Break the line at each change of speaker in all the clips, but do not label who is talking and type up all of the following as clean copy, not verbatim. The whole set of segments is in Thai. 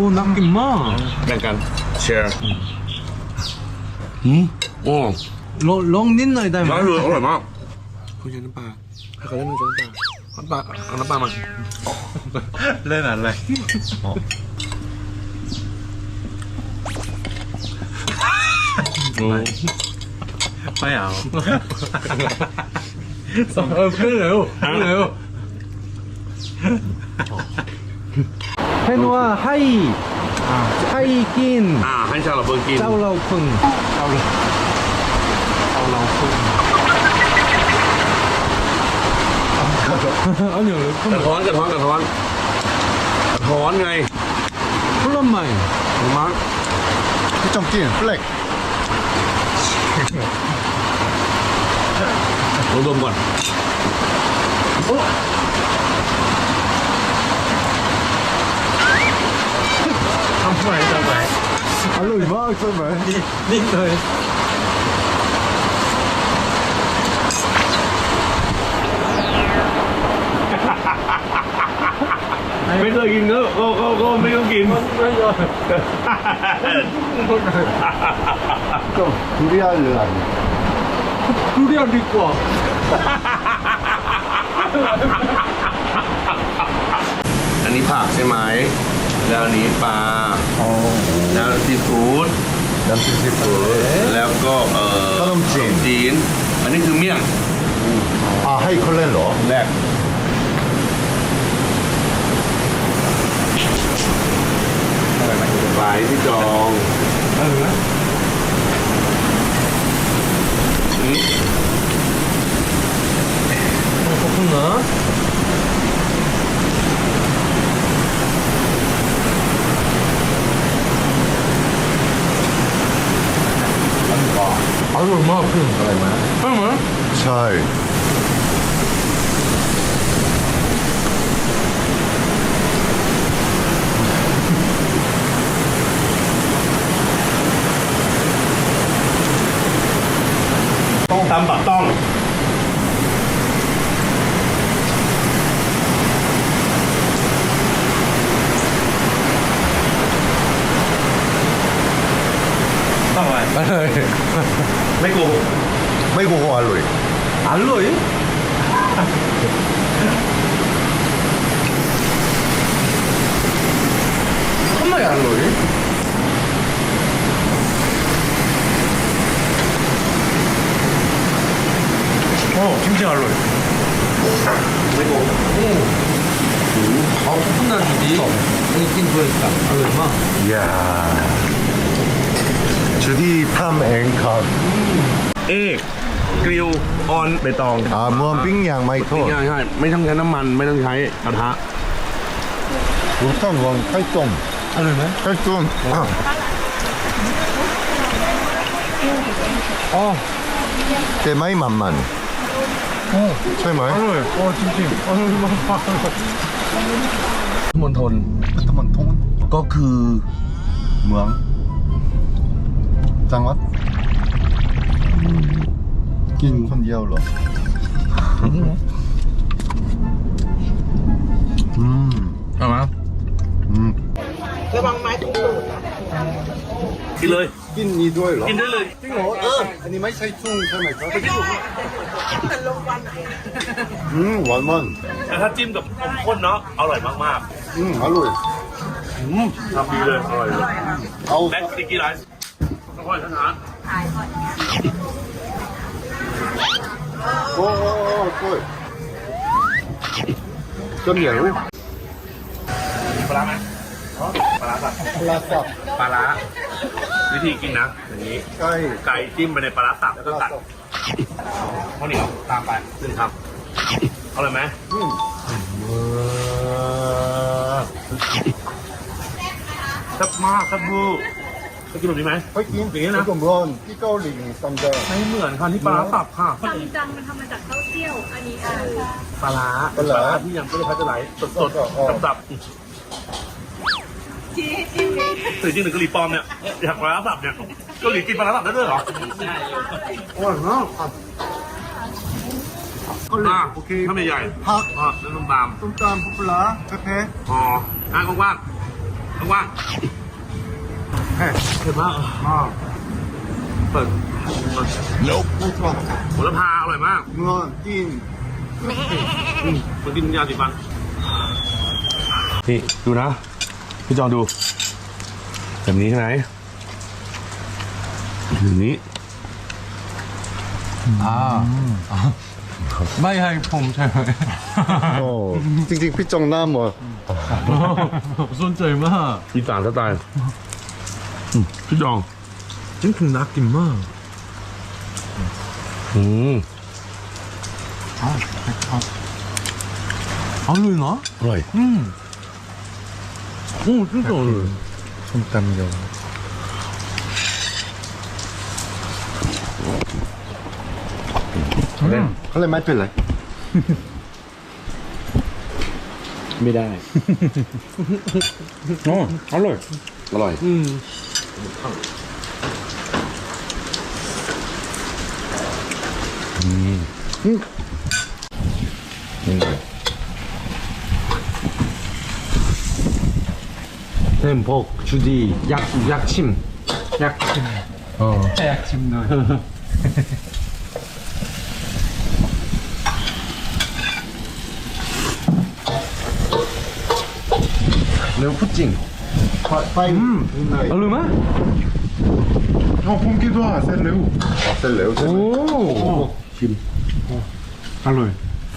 น่ากินมาก
แบ่งกันแชร์โอ้
ลองนิดหน่อยได้ไหม
ร้านเลยอร่อยมากคุณยันน้ำปลาให้เขาเล่นน้ำปลาเอาน้ำปลามา
เล่นอะไรไม่เอาขึ้นเร็วให้นัวให้กิน
ให้ชาวเราเพิ่งกิน
เจ้าเราพึ่งอันนี้เลย
กระท้อนไง
ผลไม้
มั้ง
ที่จอมกินเปลก
ลองดมก่อน
ทำไมอร่อยมากใช่ไหมนิ่งเลย
ไม่เคยกินก็ไม่ต้องกิน
ก็ทุเรียนเลย
ทุเรียนดีกว่า
อันนี้ผักใช่ไหมแล้วอันนี้ปลาแล้วซีฟู้ด
น้ำซีฟู้ด
แล้วก็ขนมจีนอันนี้คือเมี่ยง
ให้เขาเล่นเหรอ
แรกปลายที่จอง
ขอบคุณนะอร่อยมากขึ้นอะไรไหม
ใช่
ต้องตำปักต้อง
อะไร
ไม่โกหก
อร่อย
อร่อยทำไมอร่อย진짜อร่อย
ไม่โกหก
코코넛이지 느낌 좋았다อร่อยมาก
이야 주디 탐 앵카
เอกกริลออนใบตอง
มวนปิ้งย่างไม่ทอด
ใช่ไม่ต้องใช้น้ำมันไม่ต้องใช้กระทะ
우선 원 칼종
อร่อยไหม
칼종 대마이 만만ใช่ไหม
อร่อยจริงๆอร่อยมาก
มณฑลก็คือ
เมืองจังหวัดกินคนเดียวเหรอ
เอามา
ระวังไม้ถูกตูด
กินเลย
กินนี้ด้วยเหรอ
กินได้เลย
จริงเหรออันนี้ไม่ใช่ชุ่งใช่ไหมครับ
ไม่ใช่แต่ลงวัน
หวานมัน
แต่ถ้าจิ้มกับนมข้นเนาะอร่อยมาก
อร่อย
ทำดีเลยอร่อยเลย
เอา
แบ็คสติกกี้ไรซ์ค่อยๆช้า
โอ้โอ้จนเหนียว
ปลาไหมปลาสับปลาวิธีกินนะอย่างนี้ไก่จิ้มไปในปลาสับแล้วก็ตัดข้าวเหนียวตามไปซึ่งครับอร่อยไหมแซ่บมากแซ่บบูไปกินแบบนี้ไหม
ไปกิน
อย่างนี้นะ
ผมร้อนที่เกาหลีซัมเดอร์
ไม่เหมือนค่ะที่ปลาสับค่ะ
ซัมจังมันทำมาจากข้าวเที่ยวอันนี้
ปลาที่ยังไม่ได้พัชไหลสดสับสื่อจริงหรือเกาหลีปลอมเนี่ยอยากปลาสับเนี่ยเกาหลีกินปลาสับได้ด้วยเหรอใช่อร่อยมากโอเคข้าวใหญ่
ผัก
แล้วต้มตำ
ปลาเผ็ด
อ๋อกว้างว่างเผ็ดมากเปิด
ไม่ชอบ
โหระพาอร่อยมาก
เนื้อกิน
มันกินยาสีฟันนี่ดูนะพี่จองดูแบบนี้ใช่ไหมแบบนี้
ไม่ให้ผมใช่ไหม
โอ้จริงๆพี่จงหน้าหมด
สนใจมาก
อีสานสไตล์พี่จอง
จริงๆน่ากินมาก อร่อยนะ
อร่อย
โอ้จริงๆอร่อย
ส้มตำยำเขาเลยไม่เป็นไร
ไม่ได้
อ๋ออร่อย
อร่อย
햄복 주디 약침 약침 넣어 매우 푸찡
ไปไหน
얼마나?
pom기도 하เส้นเร็วเส้นเร็วใช่ไหม
오 알로이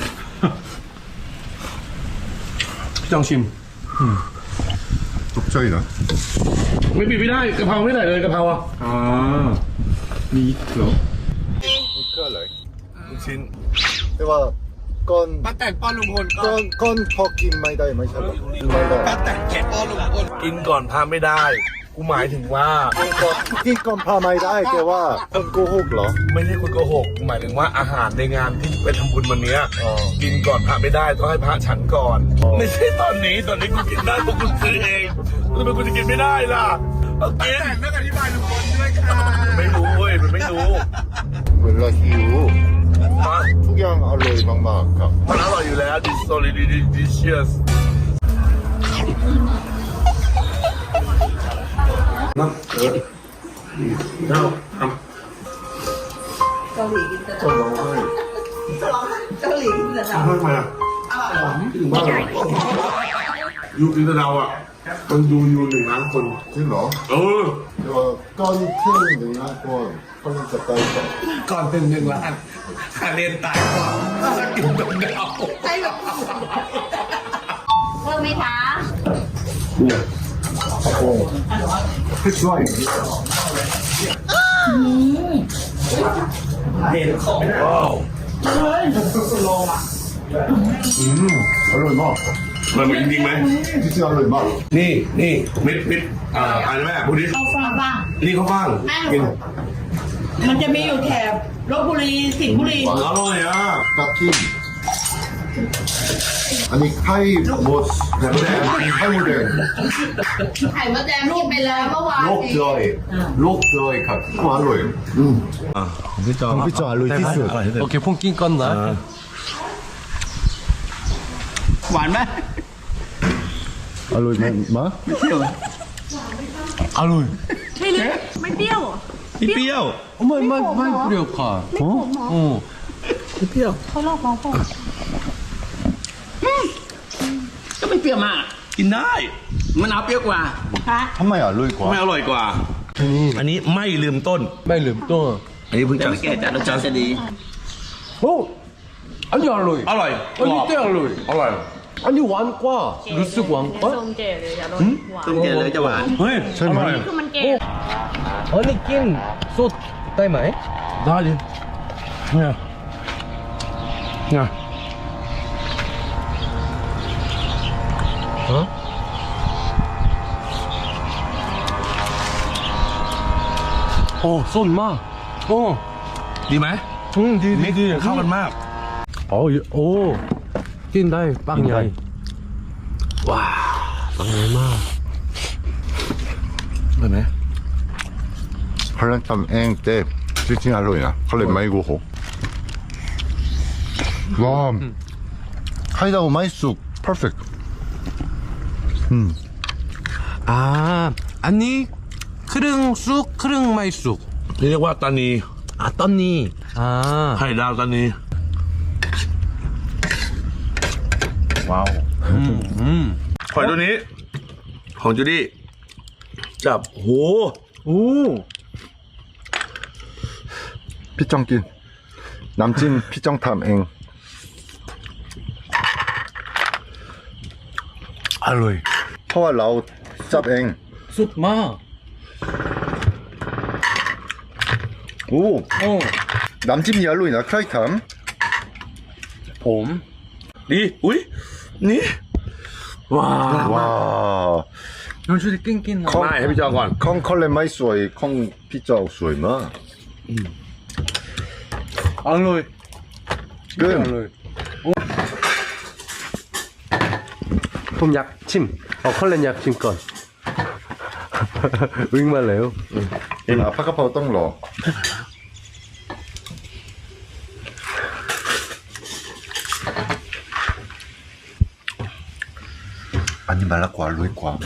พี่จองชิม
ตกใจนะ
ไม่ปิดไม่ได้กะเพราไม่ได้เลยกะเพราอ่ะ
아 미트로
ก็เลย
ลูกชิ้น
แต่ว่าก้อน
ป้าแต่งป้อนลุงพลก็
ก้อนพอกินไม่ได้ไม่ใช่หรอไม่ได้
ป้าแต่งแขกป้อนลุงพล
กินก่อนพาไม่ได้กูหมายถึงว่า
กินก่อนพาไม่ได้แต่ว่าคนโกหกเหรอ
ไม่ใช่คนโกหกกูหมายถึงว่าอาหารในงานที่ไปทำบุญวันเนี้ยกินก่อนพระไม่ได้ต้องให้พระฉันก่อน ไม่ใช่ตอนนี้กูกินได้เพราะกูซื้อเองทำไมกูจะกินไม่ได้ล่ะเอากิน
แต่งไม่อธิบายลุงพลด้วยค่ะ
ไม่รู้เว้ยมันไม่รู้
เวลาหิว
มา
ทุกอย่างอร่อยมากๆครับ
มันอร่อยอยู่แล้ว this so delicious น้ำเจ้าทำ
เกาหลีกินแต่เกาหลีกินแต่
ทำไมอ่ะถึงบ้านเหรอยูกินตะเดาอ่ะมันดูอยู่1,000,000 คน
จริงเหรอ
เออ
แต่ว่าก้อนเที่ยงหนึ่งนะก้อนเขาจะตายก่อน
ก่อนเป็น1 ล้านคาเรนตายก่อนกินตะเดา
ใช่แบบ
เพิ่มไหมคะ
ช่วย อร่อยมาก
มันจริงไหม
จริงๆอร่อยมาก
นี่เม็ดอะไรแม่พูดดิ
เอาฟังบ้าง
นี่ข้าวฟ่างกิน
มันจะมีอยู่แถบลบบุรีสิงห์บุรี
อร่อยอ่ะ
กับทิมอันนี้ไข่หมดแหนมแดงไข่หมดแดง
ไข่มดแดงกินไปแล้วเมื่อวาน
โลกจอยโลกจอยครับอร่อย
พี่จอง
พี่จออร่อยที่สุด
โอเคพุ่งกินก่อนนะหวานไหม
อร่อยไหมมา
อร่อย
ไม่เปรี้ยวเหรอ
นี่เปรี้ยว
ไม่เปรี้ยวค่ะ
ไม่ขมเหรอ
โอ้
เขาหลอกน้องผม
ก็ไม่เปรี้ยวมาก
กินได้
มะนาวเปรี้ยวกว่า
ทำไมอร่อยกว่า
ไม่อร่อยกว่า อันนี้ไม่ลืมต้น
ไม่ลืมตัว
อันนี้เพิ่ง
แต่
จะ
ไม่แก่จัดรสชาติจะดี
โอ้อันนี้อร่อย
อร่อย
อันนี้เจ๋งอร่อย
อร่อย
อันนี้หวานกว่ารู้สึกหวานกว่า
ส้มเจเลยจะรสหวาน
ต้มเจเลยจะหวาน
เฮ้ย
ใช่ไหม
อร่อย
คือมันเก
อันนี้กินสดได้ไหมได้ดิเนี่ยเนี่ยฮะโอ้สดมากโอ้
ดีไหม
ดี
มิกซ์เข้ากันมาก
โอ้โอ้กินได้ปังใหญ่ว้าปังใหญ่มาก
เห็นไหม
พลังทำเองแต่จริงๆอร่อยนะเขาเลยไม่โกหกว้าวไข่ดาวไม่สุก perfect
อันนี้ครึ่งสุกครึ่งไม่สุก
นี่เรียกว่าตานี
ตอนนี้
ไข่ดาวตานี
와우.
หอยตัวนี้ ของจูดี้จับโห
피정긴. 남진 피정탐 eng.
อร่อย
허와 라우 짭 eng.
สุดมาก
오. 남진 얄로이나 크라이탐.
ผม
ดีอุ้ยนี่ว้าว
와.
น้องช่วยกินกินนะ
ไม่ให้พี่จองก่อน
콩 컬레 마이 수어이 콩 피자 수어이 마.
อร่อย
끈.
ผมอยากชิมเอาคนเล่นอยากชิมก่อน วิ่งมาแล้ว
아파카파오 똥러. 아니 말라고 알로이과.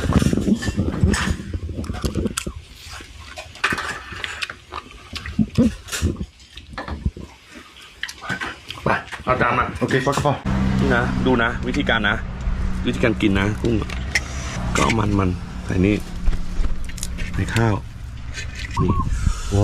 ไปเอาจานมา
오케이 파카파.
นี่นะดูนะ วิธีการนะ วิธีการกินนะกุ้งก็เอามันใส่นี่ในข้าวนี่
와.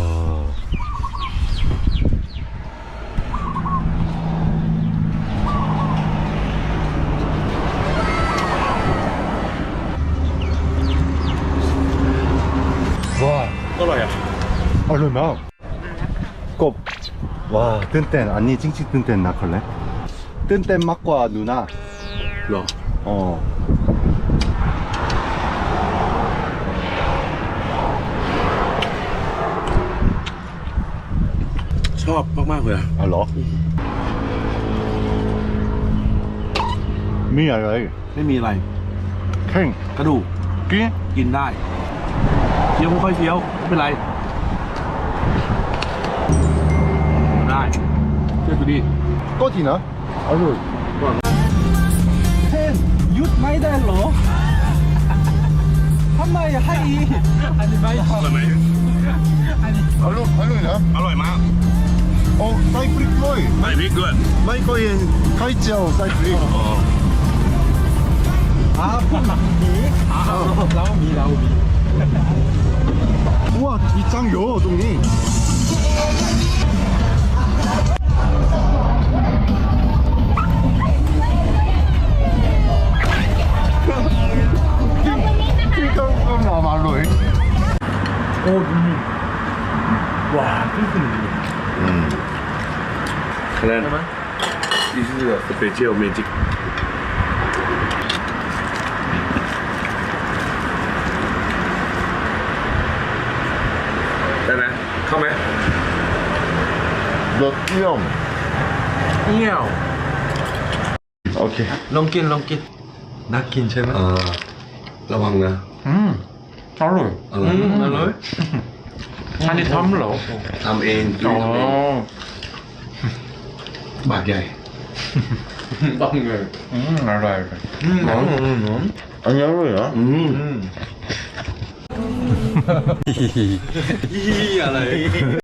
와.
ก็อร่อยอ่ะ
알로이마. 꼽. 와 뜬땐 아니 찡찡 뜬땐 나컬래? 뜬땐 맛과 누나.
หรอ
어.
ชอบมากๆเลยอะ
알로. 미 알로이.
ไม่มีอะไร
캥.
กระดูก
끼.
กินได้เคี้ยวค่อยๆเคี้ยวไม่เป็นไรได้เชื่อดูดิ
꺼지나? 알로이.
หยุดไม่ได้เหรอทำไมให้อันนี้ไม่
อร่อยไหม
알로이나?
อร่อยมาก
어 사이프릭 플로이.
ใส่พริกด้วย
마이코엔 카이치아오 사이프릭.
อ๋อ
เรามี
우와 이짱요 동이. 킹콩콩 말로이.
โอ้ดูนี่ว้าวขึ้นขึ้น
คะแนน This is a special magic ได้ไหมเข้าไหม
너 띄엄.
เงี้ยว
오케이.
ลองกินน่ากินใช่ไหม
ระวังนะ
알로이.
อร่อย
อร่อยอันนี้ทำเหรอ
ทำเองกินทำเองบาทใหญ่
ต้องเลย
알로이. 아니 알로이야?
อะไร